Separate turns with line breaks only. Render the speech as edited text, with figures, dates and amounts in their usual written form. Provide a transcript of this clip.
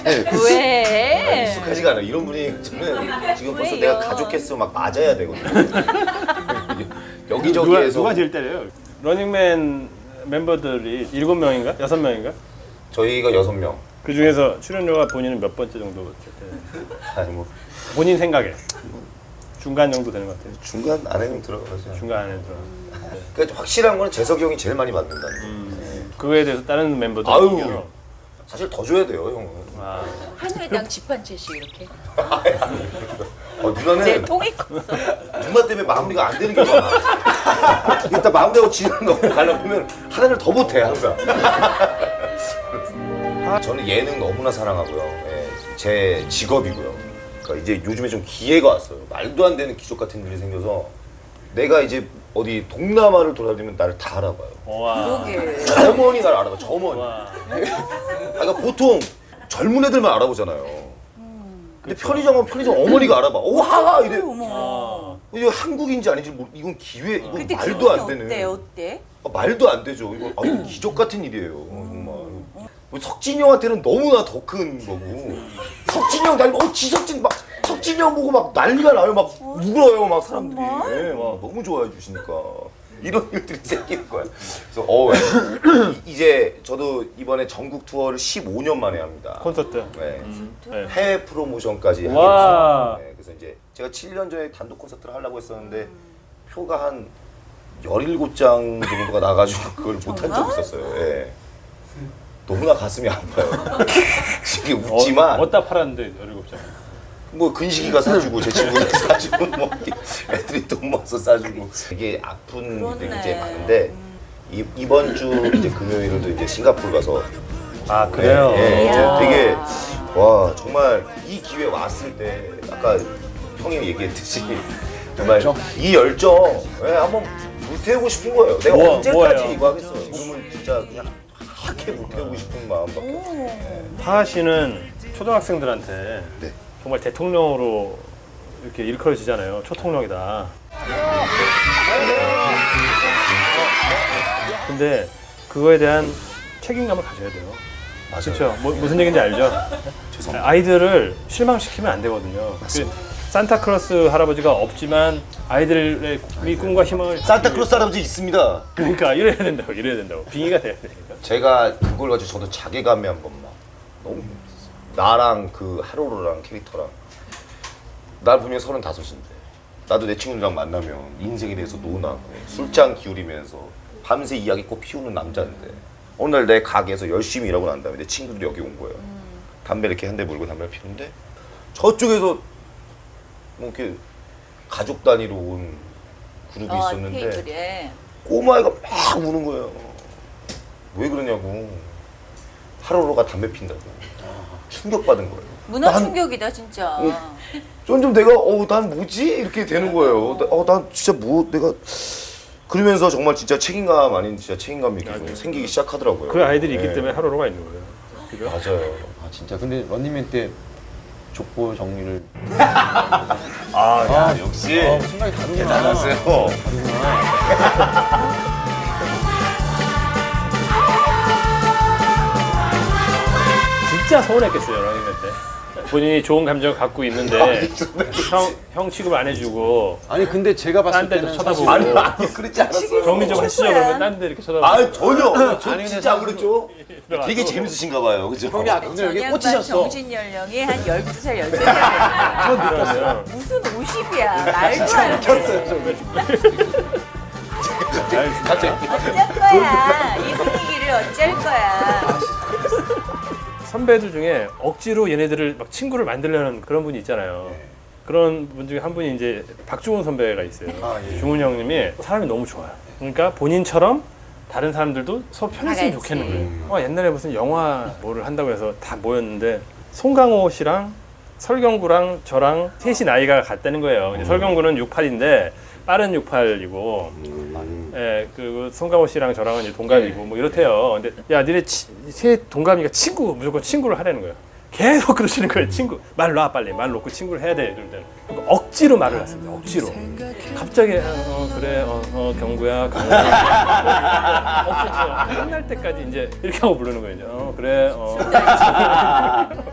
왜?
익숙하지가 않아요. 이런 분이 저는 지금 벌써
왜요?
내가 가족했으면 막 맞아야 되거든요. 여기저기에서
누가 제일 때려요? 러닝맨 멤버들이 7명인가? 6명인가?
저희가 6명.
그 중에서 출연료가 본인은 몇 번째 정도 때려요?
아니 뭐
본인 생각에 중간 정도 되는 것 같아요.
중간 안에는 들어가죠.
중간 안에 들어.
그러니까 확실한 거는 재석이 형이 제일 많이 받는다는 거.
그거에 대해서 다른 멤버들
아유. 사실 더 줘야 돼요, 형은.
아,
한 회당 집 한 채씩 이렇게.
누나는
내 통이 컸어.
누나 때문에 마무리가 안 되는 게 많아. 일단 마무리하고 지는 거 가려면 하나를 더 못해 항상. 저는 예능 너무나 사랑하고요. 예, 제 직업이고요. 그러니까 이제 요즘에 좀 기회가 왔어요. 말도 안 되는 기적 같은 일이 생겨서 내가 이제 어디 동남아를 돌아다니면 나를 다 알아봐요.
와.
그러게.
점원이 나를 알아봐. 점원이.
와.
그러니까 보통 젊은 애들만 알아보잖아요. 근데 편의점은 편의점 어머니가 알아봐. 오 하하 이래.
어머.
이거 한국인지 아닌지 모르. 이건 기회. 이건
그때
말도 안
기분이
되는.
어때?
말도 안 되죠. 이거 기적 같은 일이에요. 정말. 뭐 석진이 형한테는 너무나 더 큰 거고. 석진이 형 닮고 지석진 막 석진이 형 보고 막 난리가 나요. 막 울어요. 막 사람들이. 네, 막 너무 좋아해 주시니까. 이런 일들이 생기는 거야. 그래서 이제 저도 이번에 전국 투어를 15년 만에 합니다.
콘서트.
네.
네.
해외 프로모션까지 하게
와.
됐어요. 네, 그래서 이제 제가 7년 전에 단독 콘서트를 하려고 했었는데 표가 한 17장 정도가 나가지고 그걸 못한 적이 있었어요. 예. 너무나 가슴이 아파요. 지금 웃지만
어디다 팔았는데 17장.
뭐 근식이가 사주고 제 친구가 사주고 뭐 애들이 돈 모아서 사주고 되게 아픈 일들이 이제 많은데 이번 주 이제 금요일도 이제 싱가포르 가서
아 그래요?
예, 이제
이야.
되게 와 정말 이 기회 왔을 때 아까 형이 얘기했듯이 정말 이 열정 한번 불태우고 싶은 거예요. 내가 언제까지
뭐예요?
이거 하겠어? 지금은 진짜 그냥 하게 불태우고 싶은 마음밖에 없어요.
하하 씨는 초등학생들한테
네.
정말 대통령으로 이렇게 일컬어지잖아요. 초통령이다. 근데 그거에 대한 책임감을 가져야 돼요.
맞아요.
그렇죠? 무슨 얘기인지 알죠?
죄송합니다.
아이들을 실망시키면 안 되거든요. 산타클로스 할아버지가 없지만 아이들의 꿈과 희망을
산타클로스 할아버지 있습니다.
그러니까 이래야 된다고 빙의가 돼야 되니까.
제가 그걸 가지고 저도 자괴감이 한 번만 너무 힘들었어요. 나랑 그 하루루랑 캐릭터랑 나 분명 35인데 나도 내 친구들이랑 만나면 인생에 대해서 논하고 술잔 기울이면서 밤새 이야기꽃 피우는 남자인데 어느 날 내 가게에서 열심히 일하고 난 다음에 내 친구들이 여기 온 거예요. 담배 이렇게 한 대 물고 담배를 피우는데 저쪽에서 뭐 이렇게 가족 단위로 온 그룹이 있었는데
테이블에.
꼬마애가 막 우는 거예요. 왜 그러냐고. 하루루가 담배 핀다고. 충격받은 거예요.
문화
난-
충격이다 진짜.
좀 내가 난 뭐지? 이렇게 되는 거예요. 난 진짜 내가 그러면서 정말 진짜 책임감 아닌 진짜 책임감이 이렇게 좀 생기기 시작하더라고요.
그 아이들이
네.
있기 때문에 하루로가 있는 거예요. 그죠?
맞아요.
아 진짜 근데 런닝맨 때 족보 정리를
역시
생각이 다르구나.
대단하세요.
진짜 서운했겠어요 러닝맨 때. 본인이 좋은 감정을 갖고 있는데 형 취급 안 해주고
아니 근데 제가 봤을
딴 데도
때는
쳐다보고.
사실
아니 그렇지 않았어요.
정리 좀 하시죠
거야.
그러면 딴 데 이렇게 쳐다보고.
아 전혀. 저
아니, 근데
진짜 안 그랬죠.
들어가서.
되게 재밌으신가 봐요. 그죠?
형이 오늘 여기
양반
꽂히셨어.
정신 연령이 한 12살, 13살.
그러면
무슨 50이야. 말도 안 돼. 어쩔 거야. 이 분위기를 어쩔 거야.
선배들 중에 억지로 얘네들을 막 친구를 만들려는 그런 분이 있잖아요. 그런 분 중에 한 분이 이제 박중훈 선배가 있어요. 중훈 형님이 사람이 너무 좋아요. 그러니까 본인처럼 다른 사람들도 서로 편했으면
다 같이.
좋겠는 거예요. 옛날에 무슨 영화 뭐를 한다고 해서 다 모였는데 송강호 씨랑 설경구랑 저랑 셋이 나이가 같다는 거예요. 이제 설경구는 68인데 빠른 68이고 예, 그 송강호 씨랑 저랑은 이제 동갑이고 뭐 이렇대요. 근데 야, 니네 세 동갑이니까 무조건 친구를 하라는 거예요. 계속 그러시는 거예요. 친구 말 놔 빨리 말 놓고 친구를 해야 돼. 이럴 때는 그러니까 억지로 말을 했습니다. 억지로. 갑자기 그래 경구야 강호야 억지로 끝날 때까지 이제 이렇게 하고 부르는 거예요. 그래